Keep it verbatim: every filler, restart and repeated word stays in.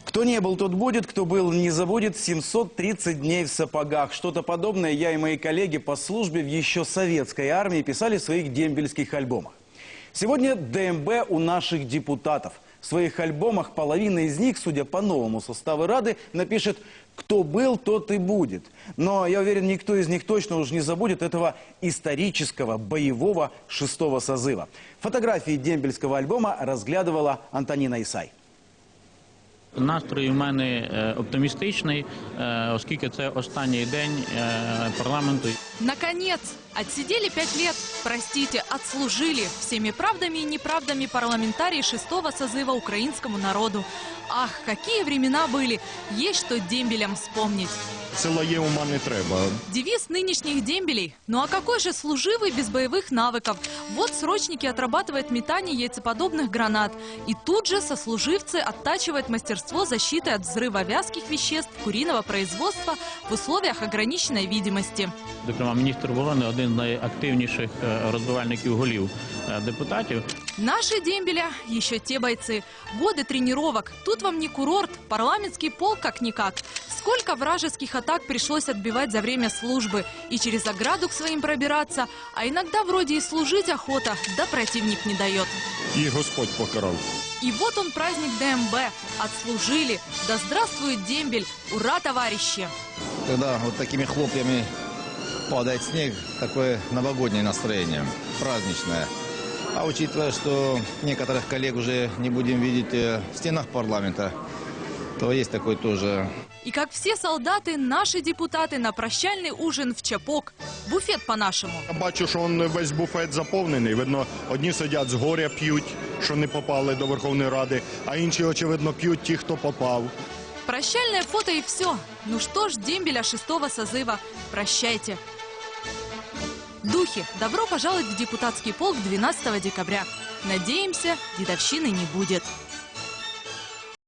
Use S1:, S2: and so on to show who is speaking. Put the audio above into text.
S1: Кто не был, тот будет, кто был, не забудет. семьсот тридцать дней в сапогах. Что-то подобное я и мои коллеги по службе в еще советской армии писали в своих дембельских альбомах. Сегодня ДМБ у наших депутатов. В своих альбомах половина из них, судя по новому составу Рады, напишет «Кто был, тот и будет». Но, я уверен, никто из них точно уж не забудет этого исторического, боевого шестого созыва. Фотографии дембельского альбома разглядывала Антоніна Ісай.
S2: Настрій у мене оптимістичний, оскільки це останній день парламенту.
S3: Наконец! Отсидели пять лет, простите, отслужили всеми правдами и неправдами парламентарии шестого созыва украинскому народу. Ах, какие времена были, есть что дембелям вспомнить.
S4: Сила є, ума не треба.
S3: Девиз нынешних дембелей. Ну а какой же служивый без боевых навыков? Вот срочники отрабатывают метание яйцеподобных гранат. И тут же сослуживцы оттачивают мастерство защиты от взрыва вязких веществ куриного производства в условиях ограниченной видимости.
S2: Зокрема, міністр оборони – один з найактивніших розбивальників голів депутатів.
S3: Наши дембеля еще те бойцы. Годы тренировок. Тут вам не курорт, парламентский полк как-никак. Сколько вражеских атак пришлось отбивать за время службы. И через ограду к своим пробираться. А иногда вроде и служить охота, да противник не дает.
S4: І Господь покарав.
S3: И вот он праздник ДМБ. Отслужили. Да здравствует дембель. Ура, товарищи!
S5: Когда вот такими хлопьями падает снег, такое новогоднее настроение, праздничное. А учитывая, что некоторых коллег уже не будем видеть в стенах парламента, то есть такой тоже.
S3: И как все солдаты, наши депутаты на прощальный ужин в Чапок. Буфет по-нашему.
S4: Я бачу, що он весь буфет заповнений. Видно, одні сидять з горя п'ють, що не попали до Верховної Ради, а інші, очевидно, п'ють ті, хто попав.
S3: Прощальное фото и все. Ну что ж, дембеля шестого созыва, прощайте. Духи, добро пожаловать в депутатский полк двенадцатого декабря. Надеемся, дедовщины не будет.